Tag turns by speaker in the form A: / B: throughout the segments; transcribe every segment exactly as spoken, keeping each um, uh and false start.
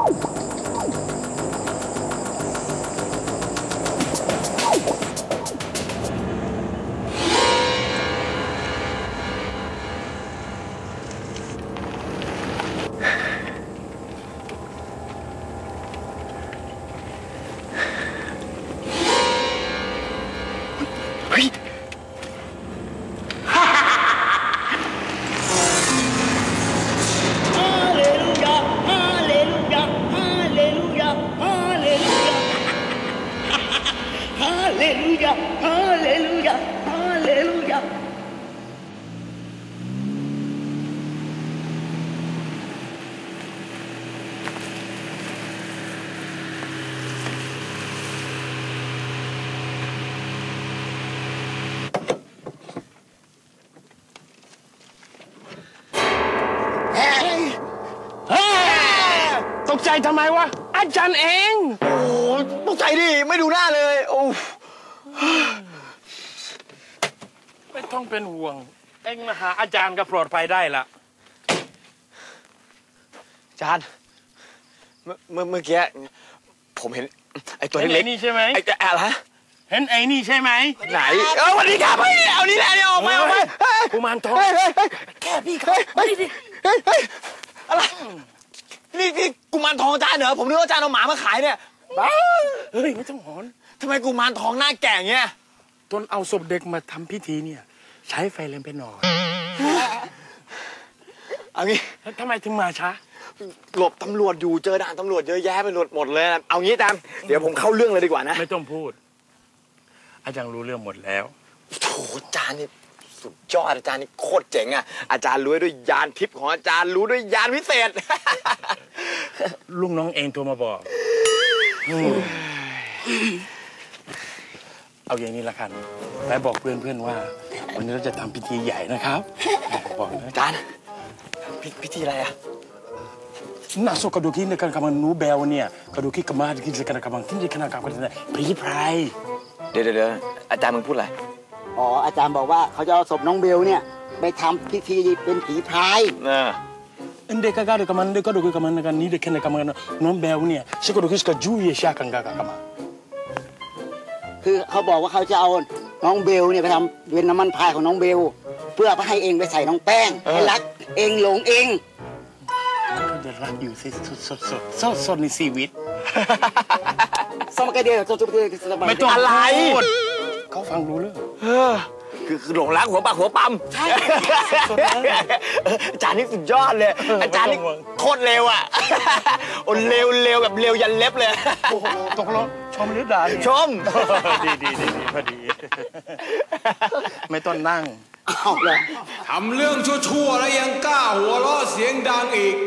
A: ตกใจทำไมวะอาจารย์เอง
B: โอ้ตกใจดิไม่ดูหน้าเลยโอ้
A: ไม่ต้องเป็นห่วงเองมาหาอาจารย์ก็ปลอดภัยได้ละ
B: อาจารย์เมื่อเมื่อเมื่อกี้ผมเห็นไอ้ตัวเล็ก
A: ๆนี่ใช่ไหม
B: ไอ้อะไร
A: เห็นไอ้นี่ใช่ไหม
B: ไหนเออวันนี้ครับเอานี่แหละเนี่ยออกมาออกมา
A: กุมารทอง
B: แค่พี่ครับเฮ้ยเฮ้ยเฮ้ยอะไรนี่นี่กุมารทองอาจารย์เหรอผมนึกว่าอาจารย์เอาหมามาขายเนี่ยบ้า
A: เฮ้ยไม่ต้องหอน
B: ทำไมกุมารทองหน้าแก่เงี้ย
A: ตอนเอาศพเด็กมาทำพิธีเนี่ยใช้ไฟแรงไปหน่อย
B: เอางี้
A: แล้วทำไมถึงมาช้า
B: หลบตำรวจอยู่เจอด่านตำรวจเยอะแยะไปหมดหมดเลยเอางี้อาจารย์เดี๋ยวผมเข้าเรื่องเลยดีกว่านะ
A: ไม่ต้องพูดอาจารย์รู้เรื่องหมดแล้ว
B: โถอาจารย์นี่สุดยอดอาจารย์นี่โคตรเจ๋งอ่ะอาจารย์รู้ด้วยยานทิพย์ของอาจารย์รู้ด้วยยานวิเศษ
A: ลุงน้องเองโทรมาบอกเอาอย่างนี้ละกันไปบอกเพื่อนๆว่าวันนี้เราจะทำพิธีใหญ่นะครับบอก
B: อาจารย์พิธีอะไรอ่ะ
A: น่าสกดูกินในการกำลังนูเบลเนี่ยกระดูกิกมากินในการกำลังกินในขณะกำลังเนี่ยผีพราย
B: เดี๋ยวเดี๋ยวอาจารย์มึงพูดอะไร
C: อ๋ออาจารย์บอกว่าเขาจะเอาศพน้องเบลเนี่ยไปทำพิธีเป็นผีพราย
B: นะ
A: อันเด็กก็ได้กำลังเด็กก็ดูกำลังในการนี้เด็กแค่ในกำลังน้องเบลเนี่ยสกดูกิสกับจูเยชากังกากำลัง
C: คือเขาบอกว่าเขาจะเอาน้องเบลเนี่ยไปทำเป็นน้ำมันพรายของน้องเบลเพื่อให้เองไปใส่น้องแป้งให้รักเองหลงเอง
A: เขาจะรักอยู่สิสดสดสดสดสดในชีวิต
C: สมัยเดียวสดสด
A: ไม่ต้องอะไรเขาฟังรู้เรื่อง
B: คือคือหลงรักหัวปากหัวปั๊มใช่อาจารย์นี่สุดยอดเลยอาจารย์นี่โคตรเร็วอ่ะโอ้เร็วเร็วแบบเร็วยันเล็บเลย
A: โอ้โหตกลงชมหรือด่า
B: ชม
A: ดีดีดีดีพอดีไม่ต้องนั่ง
C: เอาเลย
D: ทำเรื่องชั่วๆแล้วยังกล้าหัวเราะเสียงดังอีก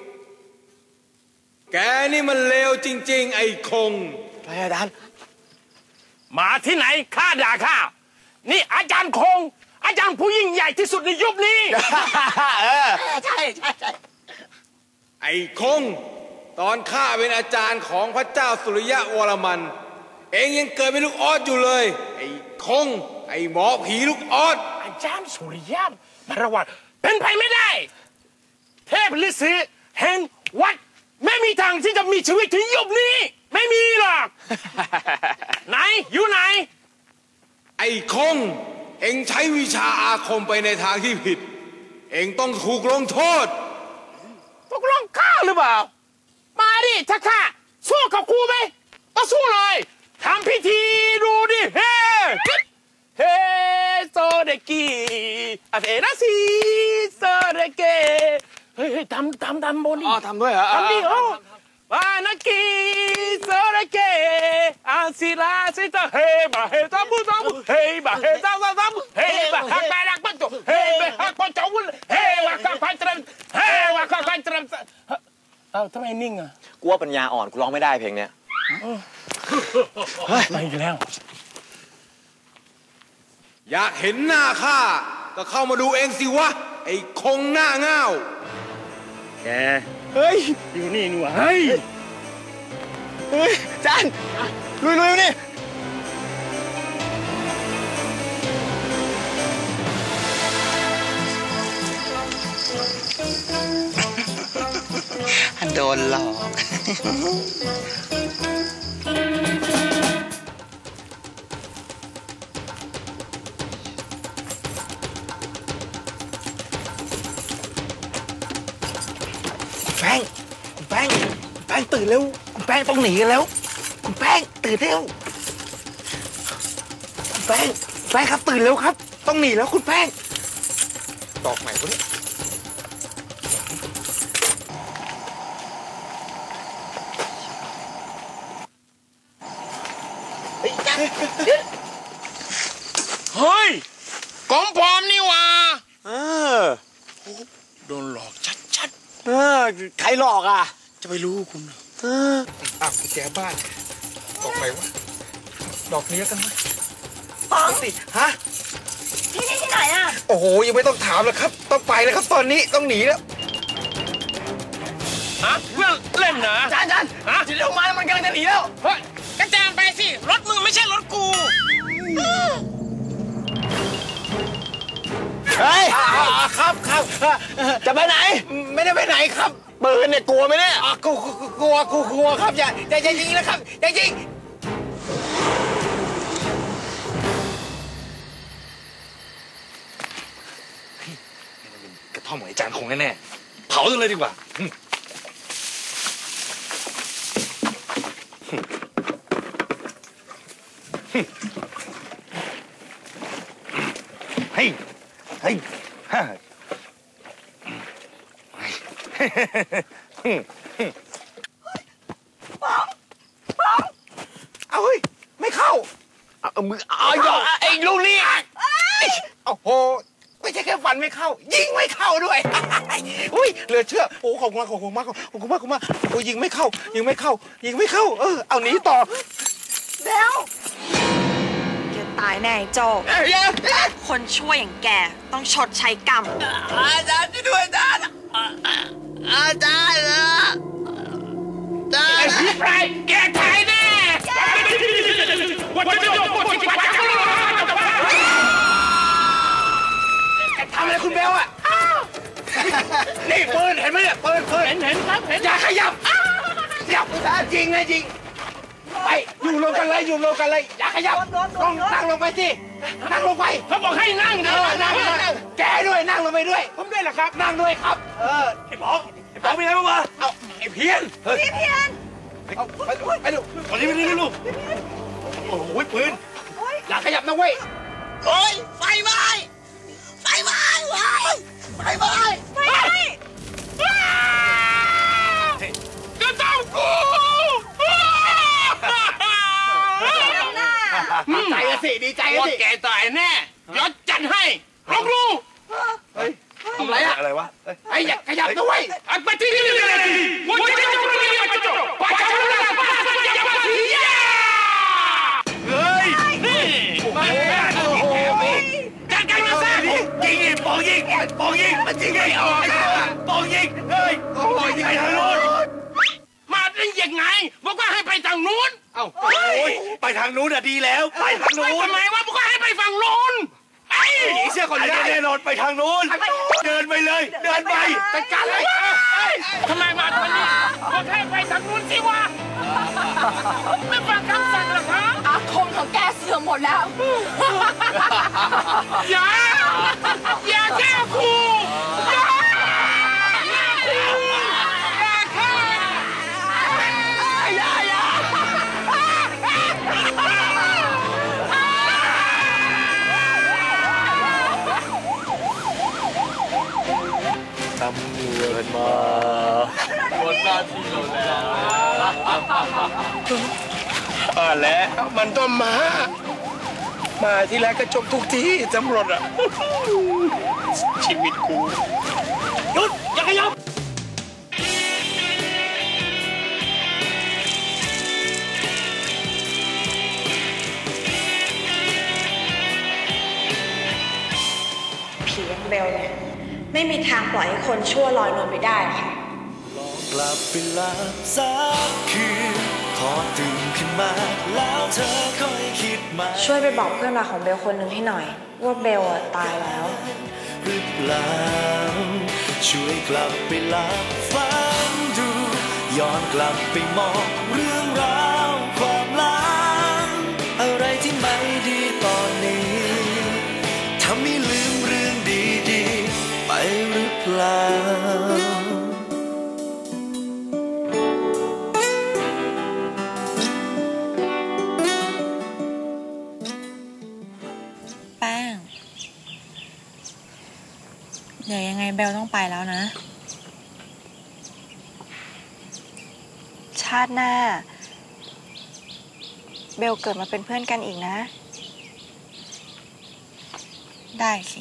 D: แกนี่มันเลวจริงๆไอ้คง
B: อะไรอาจารย์
A: มาที่ไหนข้าด่าข้านี่อาจารย์คงอาจารย์ผู้ยิ่งใหญ่ที่สุดในยุคนี้
C: ใช่ใช่ใช่
D: ไอ้คงตอนข้าเป็นอาจารย์ของพระเจ้าสุริยะวรมันเองยังเกิดเป็นลูกออสอยู่เลยไอ้คงไอ้หมอผีลูกออส
A: อาจารย์สุริยะมารวัตเป็นไปไม่ได้เทพฤาษีแห่งวัดไม่มีทางที่จะมีชีวิตถึงยุคนี้ไม่มีหรอกไหนอยู่ไหน
D: ไอ้คงเอ็งใช้วิชาอาคมไปในทางที่ผิดเอ็งต้องถูกลงโทษ
A: ตกลงข้าหรือเปล่ามาดิถ้าข้าสู้กับกูไหมก็สู้เลยทำพิธีดูดิเฮ้เฮ้โซเดกิอาเทนาซีโซเดเกเฮ้ยทำทำทำบน
B: อ๋อทำด้วยเหรอ
A: ทำดิโอ้วานากิโซเดเกอาซิลาซิตาเฮบะเฮตาบุตาบุเฮบะเฮตาตาตาบุเฮบะฮักแบลักปัจจุเฮบะฮักปัจจุวุลเฮวะกัพันตรัมเฮวะกัพันตรัมเอ้าทำไมนิ่งอ่ะ
B: กูว่าปัญญาอ่อนกูร้องไม่ได้เพลงเนี้ย
A: ไปอีกแล้ว
D: อยากเห็นหน้าข้าก็เข้ามาดูเองสิวะไอ้คงหน้าเง่า
A: แกเฮ้ยอยู่นี่หนูเฮ้ย
B: เฮ้ยจานลุยลุยนี่
C: โดนหลอก
B: แป้งคุณแป้งแป้งตื่นเร็วคุณแป้งต้องหนีกันแล้วคุณแป้งตื่นเร็วคุณแป้งแป้งครับตื่นเร็วครับต้องหนีแล้วคุณแป้งดอกใหม่คนนี้เฮ้ยจังเดี๋ยว
A: เฮ้ยของปลอมนี่หว่า
B: เออ
A: โดนหลอกชัด
B: เออใครหลอกอ่ะ
A: ๆจะไปรู้คุณเหรอ
B: เออ
A: อ้าวกุญแจบ้านดอกไหนวะดอกนี้กันไหม
B: ปังสิฮะ
E: ที่นี่ที่ไหนอ่ะ
B: โอ้โหยังไม่ต้องถามแล้วครับต้องไปแล้วครับตอนนี้ต้องหนีแล้ว
A: ฮะเพื่อนเล่นนะ
B: จานจาน
A: ฮะ
B: เดี๋ยวมามันกำลังจะหนีแล้ว
A: เฮ้ยกระจานไปสิรถมึงไม่ใช่รถกู
B: เฮ้ยครับครับจะไปไหนไม่ได้ไปไหนครับปืนเนี่ยกลัวไหมเนี่ยกลัวกลัวกลัวกลัวครับอย่าอย่าอย่ายิงนะครับอย่ายิงกระท่อมของไอ้จานคงแน่ๆเผาเลยดีกว่าเฮ้ยเฮ้ยฮ่าเอาเฮ้ยไม่เข้าเอามือเอาอย่าไอ้ลูกนี่โอ้โหไม่ใช่แค่ฟันไม่เข้ายิงไม่เข้าด้วยอุ้ยเหลือเชื่อโอ้ขอบคุณมากขอบคุณมากขอบคุณมากขอบคุณมากโอ้ยิงไม่เข้ายิงไม่เข้ายิงไม่เข้าเออเอาหนีต่อ
E: เดี๋ยวแกตายแน่โจ
B: เอ้ย
E: คนชั่วอย่างแกต้องชดใช้กรรม
B: อาจารย์ช่วยด้วยอาจารย์อาจารย์นะอาจาร
A: ไอ้
B: ย์
A: พี่ไรแกตายแน่วันจะจบวันจะจบ
B: ทำอะไรคุณเบลอะนี่ปืนเห็นไหมเนี่ยปืนปืน
A: เห็นเห็นครับเห็น
B: อย่าขยับขยับจริงนะจริงไปอยู่ลงกันเลยอยู่ลงกันเลยอย่าขยับลงนั่งลงไปสินั่งลงไป
A: เขาบอกให้นั่ง
B: เอ
A: นะ
B: อนั่งนั่งแกด้วยนั่งลงไปด้วย
A: ผมด้วยเหรอครับ
B: นั่งด้วยครับเออไอ้ป๋องไอ้ป๋องมีอะไรบ้างวะเอาไอ้เพี้ยนเฮ้ย
E: พี่เพียน
B: เอาไปดูไปดูตอนนี้ไปดูลูกโอ้โหปืนอย่าขยับนะเว้ยโอ้ยไฟไหม้ไฟไหม้ไฟไหม้ไฟไหม้
A: จะต้องกู
B: ดีใจอะสิดีใจอะ
A: ว่า
B: สิ
A: แกตายแน่ยศจัดให้ลองดู
B: เฮ้ยทำไรอะอะไรวะไอ้อย่าขยับนะเว้ย
A: ไปที่นี่เลยวันจะจบวันจะจบวันจะจบเฮ้ยนี่มาแล้วโอ้โหจัดการมาซะ
B: ยิงยิงปองยิงปองยิงมันยิงไม่ออกปองยิงเฮ้ยปองยิงไปทางโน้น
A: มาได้ยังไงบอกว่าให้ไปทางนู้น
B: เอ้าโอ้ยไปทางนู้นอะดีแล้วไปทางนู้น
A: ทำไมวะบอกว่าให้ไปฝั่งนู้นไอ้
B: หนีเสื้อคนได้แน่นอนไปทางนู้นเดินไปเลยเดินไป
A: จัดการเลยทำไมมาทางนี้บอกให้ไปทางนู้นสิวะไม่ฟังคำสั่งหรอครับ
E: อาคมของแกเสื่อมหมดแล้ว
A: อย่าอย่าแก้กูอย่าอย่ากูอย่าแค่อย่าอย่า
B: ตำรวจมาหมดหน้าที่เราแล้วอ่าแล้วมันก็มา มาที่แรกก็จบทุกที่ตำรวจอ่ะ ชีวิตกูหยุดอย่าขยับ
E: ผีอย่างเบลเนี่ยไม่มีทางปล่อยให้คนชั่วลอยนวลไปได้หรอกค่ะ
F: กลับไปหลับสักคืนพอตื่นขึ้นมาแล้วเธอค่อยคิดมา
E: ช่วยไปบอกเพื่อนรักของเบลคนหนึ่งให้หน่อย ว่าเบลอะตายแล้ว
F: หรือเปล่าช่วยกลับไปหลับฝันดูย้อนกลับไปมองเรื่องราวความลับอะไรที่ไม่ดีตอนนี้ทำให้ลืมเรื่องดีๆไปหรือเปล่า
E: แป้งเดี๋ยวยังไงเบลต้องไปแล้วนะชาติหน้าเบลเกิดมาเป็นเพื่อนกันอีกนะได้สิ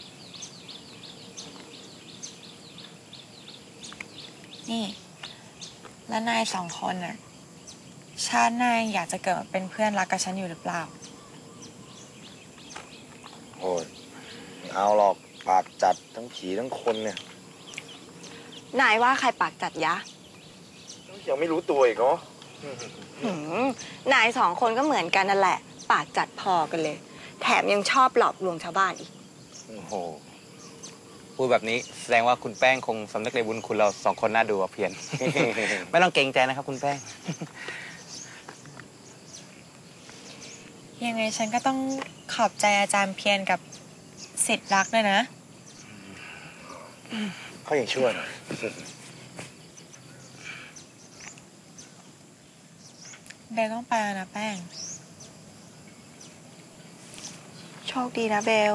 E: นี่แล้วนายสองคนน่ะชาติหน้าอยากจะเกิดมาเป็นเพื่อนรักกับฉันอยู่หรือเปล่า
G: โอ้ยเอาหรอกปากจัดทั้งผีทั้งคนเนี่ย
E: นายว่าใครปากจัดยะ
G: ยังไม่รู้ตัวอีกเนาะ
E: นายสองคนก็เหมือนกันนั่นแหละปากจัดพอกันเลยแถมยังชอบหลอกลวงชาวบ้านอีก
B: โอ้โหพูดแบบนี้แสดงว่าคุณแป้งคงสำนึกในบุญคุณเราสองคนน่าดูเพียน ไม่ต้องเกรงใจนะครับคุณแป้ง
E: ยังไงฉันก็ต้องขอบใจอาจารย์เพียรกับศิษย์รักด้วยนะ
G: เขาอย่างชั่วหน่อย
E: เบลต้องไปแล้วนะแป้งโชคดีนะเบล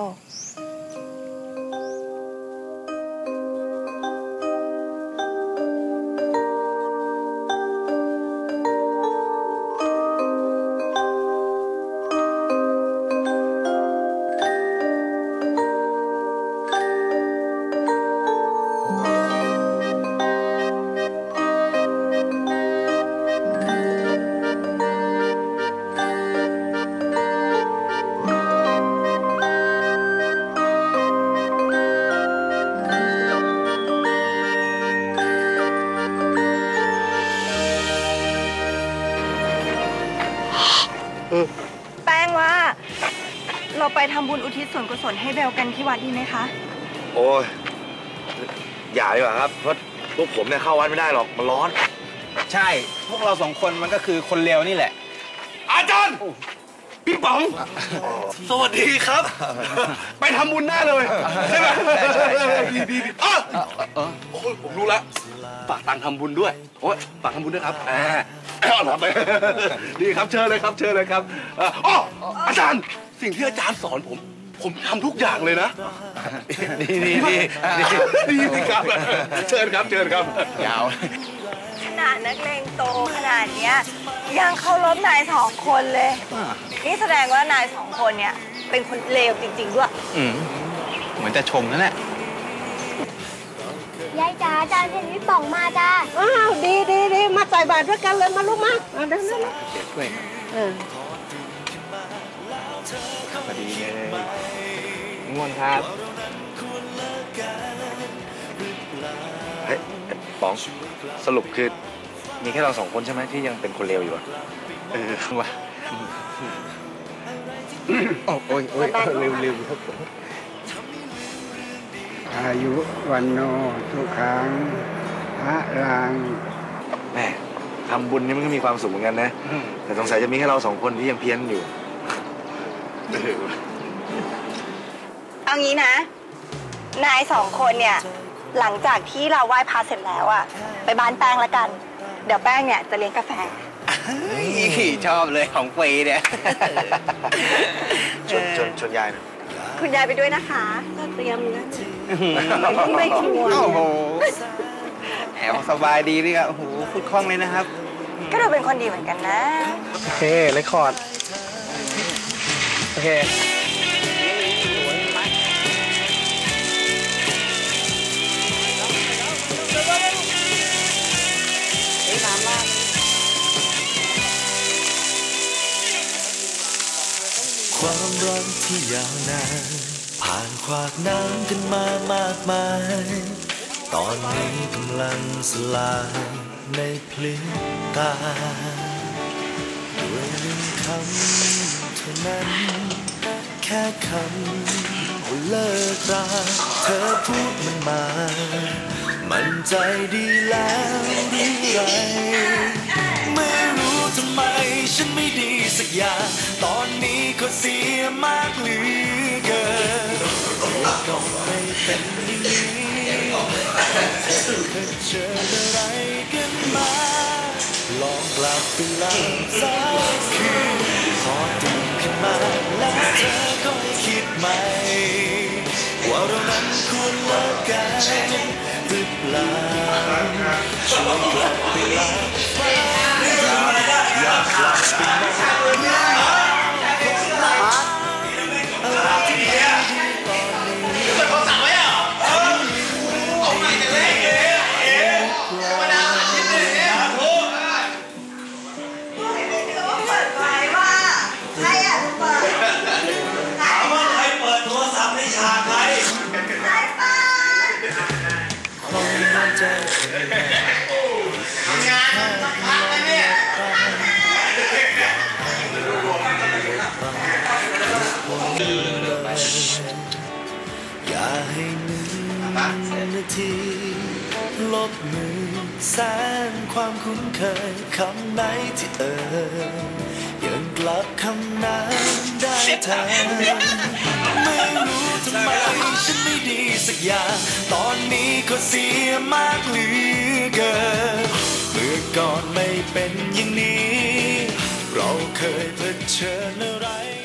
E: แป้งว่าเราไปทำบุญอุทิศส่วนกุศลให้เบลกันที่วัดดีไหมคะ
G: โอ้ยอย่าดีกว่าครับเพราะพวกผมเนี่ยเข้าวัดไม่ได้หรอกมันร้อน
B: ใช่พวกเราสองคนมันก็คือคนเลวนี่แหละ
A: อาจารย์พี่ป๋อง
G: สวัสดีครับ
A: ไปทำบุญหน้าเลยใช่ไหม
G: ใช่ใช่
A: ดีดีอ๋อโอ้ยผมรู้แล้วฝากตังค์ทำบุญด้วยโอ้ยฝากทำบุญด้วยครับอ่าเอาไปดีครับเชิญเลยครับเชิญเลยครับอ๋ออาจารย์สิ่งที่อาจารย์สอนผมผมทำทุกอย่างเลยนะ
B: ดีดีดี
A: ดีดีครับเชิญครับเชิญครับ
B: ยาว
E: ขนาดนักเลงโตขนาดเนี้ยยังเคารพนายสองคนเลยนี่แสดงว่านายสองคนเนี่ยเป็นคนเลวจริงๆด้วย
B: อืมเหมือนจะชมนั่นแหละ
H: ยายจ๋าอาจารย์เห็นพี่ป๋องมาจ้า
I: อ้าวดีดีดีมาใส่บาตรด้วยกันเลยมาลูกมาเดินเดิน
B: ด้วย
I: เออ
B: พอดีเลยง่วงครับ
G: เฮ้ยป๋องสรุปคือมีแค่เราสองคนใช่ไหมที่ยังเป็นคนเลวอยู่อ่ะ
B: เออว่ะโอ้ยโอ้ยเร็วเร็วครับ
J: อายุวันโนทุกขังพระลัง
G: แม่ทำบุญนี่มันก็มีความสุขเหมือนกันนะแต่สงสัยจะมีแค่เราสองคนที่ยังเพี้ยนอยู่
E: เอางี้นะนายสองคนเนี่ยหลังจากที่เราไหว้พระเสร็จแล้วอะไปบ้านแป้งละกันเดี๋ยวแป้งเนี่ยจะเลี้ยงกาแฟ
B: ชอบเลยของฟรีเนี่ย
G: ชวนชวนชวนยายนะ
E: คุณยายไปด้วยนะคะเตรียมนะไม่ชวน
B: โอ้โหแอบสบายดีนี่ครับโอ้โหพูดคล่องเลยนะครับ
E: ก็ดูเป็นคนดีเหมือนกันนะ
B: โอเคเรคคอร์ดโอเค
F: ความรักที่ยาวนานผ่านขวากน้ำกันมามากมายตอนนี้กำลังสลายในพลิ้วตาด้วยหนึ่งคำเท่านั้นแค่คำว่าเลิกราเธอพูดมันมามั่นใจดีแล้วหรือยัไม่รู้ทำไมฉันไม่ดีสักอย่างตอนนี้ก็เสียมากเหลือเกินก็ไม่เป็นอย่างนี้เธอเคยเจออะไรกันมาลองกลับไปหลับสักคืนพอตื่นขึ้นมาแล้วเธอก็คิดใหม่ว่าเรานั้นควรเลิกกันหรือเปล่าช่วยกลับไปหลับฝันอยากกลับไปมองเรื่องราวของเราอะไรที่ดีตอนนี้เขาสั่งไว้อ่ะเออออกมาจากเล็กเลยเอ๋ธรรมดาชิ้นเลยเนี่ยถูกเปิดไฟว่าใครอ่ะเปิดถามว่าใครเปิดโทรศัพท์ในฉากใครใครเปิดคนมันจะทำงานสักพักเลยเนี่ยอย่าให้หนึ่งนาทีลบมือแสนความคุ้นเคยคำไหนที่เอ่ยยังกลับคำนั้นได้แทนไม่รู้ทำไมฉันไม่ดีสักอย่างตอนนี้ก็เสียมากเหลือเกินเมื่อก่อนไม่เป็นอย่างนี้เราเคยเผชิญอะไร